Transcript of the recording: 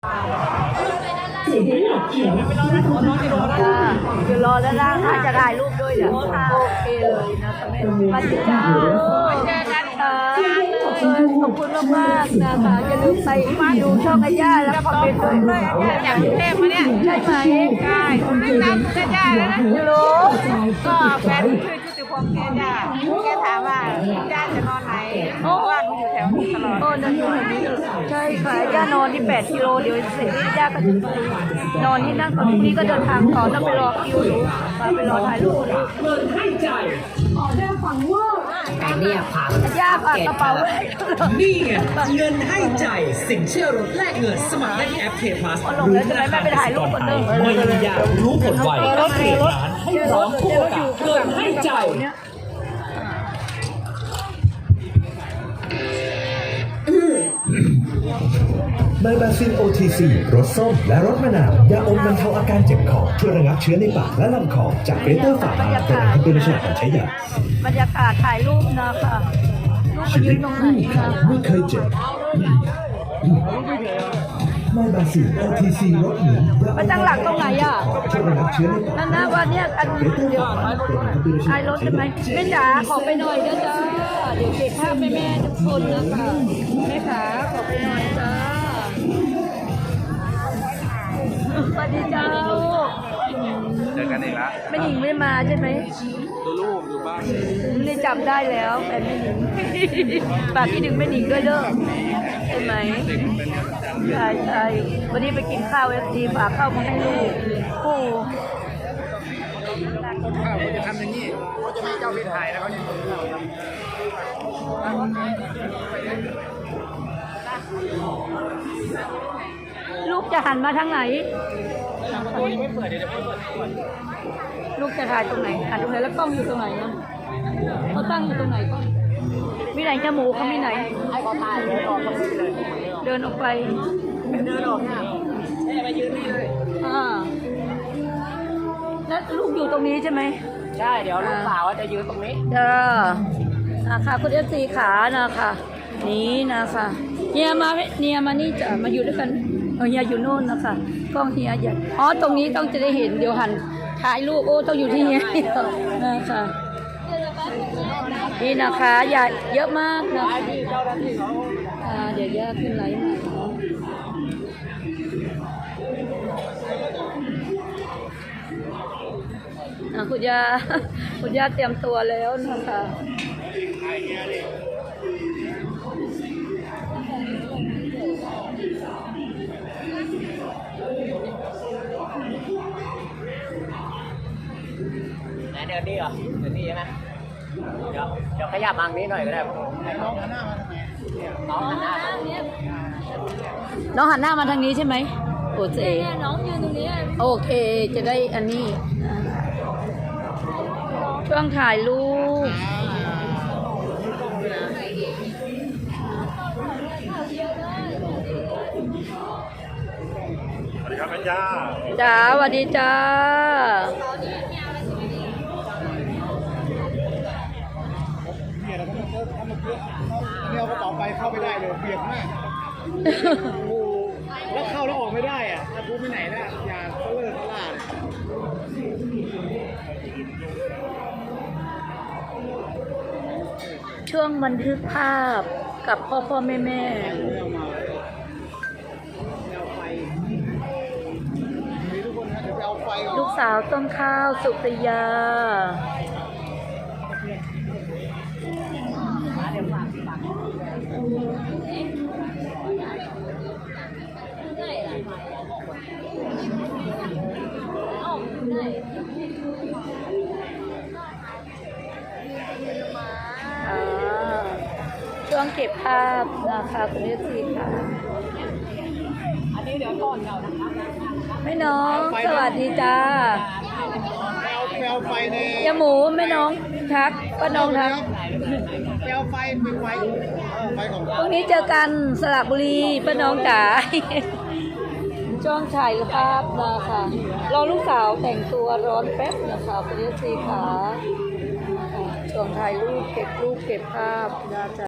อยู่รอแล้วล่างถ้าจะถ่ายรูปด้วยเนี่ยโอเคเลยนะคะแม่มาถึงจ้าเจอกันค่ะขอบคุณมากๆนะคะอย่าลืมไปดูช่องอาย่าแล้วคอมเมนต์ด้วยจากกรุงเทพมาเนี่ยใช่ไหมใช่ไม่ตามอาย่าแล้วนะรู้ก็แฟนชื่อจุติพงษ์เนี่ยแกถามว่าย่าจะนอนไหนเพราะว่าหนูอยู่แถวนี้ตลอดนอนอยู่แถวนี้ใช่ค่ะย่านอนที่8 กิโลเดี๋ยวเสร็จย่าก็จะนอนที่นั่งตอนนี้ก็เดินทางต่อต้องไปรอคิวอยู่ไปรอถ่ายรูปเงินให้ใจออเดอร์ฟังว่าแต่เนี่ยผังย่าฝากกระเป๋านี่ไงเงินให้ใจสินเชื่อรถแลกเงินสมัครได้ที่แอป K Plus หรือธนาคารกสิกรไทยไม่อยากรู้ผลไวแค่เปลี่ยนร้านให้พร้อมทุกโอกาสเงินให้ใจไมบาซิล OTC รสส้มและรสมะนาวยาอมบรรเทาอาการเจ็บคอช่วยระงับเชื้อในปากและลำคอจากเบเตอร์ฝามาเป็นอันเป็นฉลาดการใช้ยาบรรยากาศถ่ายรูปนะคะชีวิตคู่ใครไม่เคยเจ็บไมบาซิล OTC รสหนึ่งมันตั้งหลักตรงไหนอ่ะช่วยระงับเชื้อในปากนั่นนะวันนี้อันเดียวถ่ายรถใช่ไหมแม่จ๋าขอไปหน่อยนะจ๊ะเดี๋ยวเก็บภาพแม่ทุกคนนะคะแม่จ๋าขอไปหน่อยจ้าสวัสดีเจ้าเจอกันอีกแล้วแม่หญิงไม่มาใช่ไหมดูรูปดูบ้างนี่จำได้แล้วแฟนแม่หญิงฝากคิดถึงแม่หญิงด้วยเด้อใช่ไหมใช่ใช่วันนี้ไปกินข้าวFDฝากข้าวมาให้ลูกโอ้ข้าวเขาจะทำอย่างนี้เขาจะไม่เจ้าไปถ่ายแล้วเขาจะลูกจะหันมาทางไหนลูกจะถ่ายตรงไหนหันตรงไหนแล้วกล้องอยู่ตรงไหนนะเขาตั้งอยู่ตรงไหนกล้องมีไหนจมูกเขามีไหนให้เขาถ่ายเดินออกไปเดินออกเนี่ยไปยืนนี่เลยแล้วลูกอยู่ตรงนี้ใช่ไหมใช่เดี๋ยวลูกสาวจะยืนตรงนี้นะคะคุณFDขานะคะนี้นะคะเฮียมานี่จะมาอยู่ด้วยกันเฮียอยู่โน่นนะคะกล้องเฮียใหญ่ตรงนี้ต้องจะได้เห็นเดี๋ยวหันถ่ายรูปต้องอยู่ที่เฮียนะคะนี่นะคะใหญ่เยอะมากนะคะเดี๋ยวย่าขึ้นไลน์มาคุณย่าเตรียมตัวแล้วนะคะเดินนี่เหรอเดินนี่ใช่ไหมเดี๋ยวขยับมังนี้หน่อยก็ได้น้องหันหน้ามาทางไหนน้องหันหน้ามาทางนี้ใช่ไหมโอเคน้องยืนตรงนี้โอเคจะได้อันนี้ช่วงถ่ายรูปสวัสดีครับแม่ย่าจ้าสวัสดีจ้าเนี่ยเอากระเป๋าไปเข้าไม่ได้เลยเปียกมากโอ้โหแล้วเข้าแล้วออกไม่ได้อ่ะถ้าพูดไปไหนนะอย่าเขาเลิกเขาล่าช่วงบันทึกภาพกับพ่อแม่ลูกสาวต้นข้าวสุปริยาช่วงเก็บภาพนะคะคุณFDค่ะอันนี้เดี๋ยวก่อนเดี๋ยวนะคะแม่น้องสวัสดีจ้าแปลไฟในยาหมูแม่น้องทักป้าน้องทักแปลไฟเป็นไฟของพรุ่งนี้เจอกันสระบุรีป้าน้องจ๋าช่วงถ่ายภาพนะคะรอลูกสาวแต่งตัวร้อนแป๊บนะคะคุณFDค่ะช่วงถ่ายรูปเก็บภาพนะจ๊ะ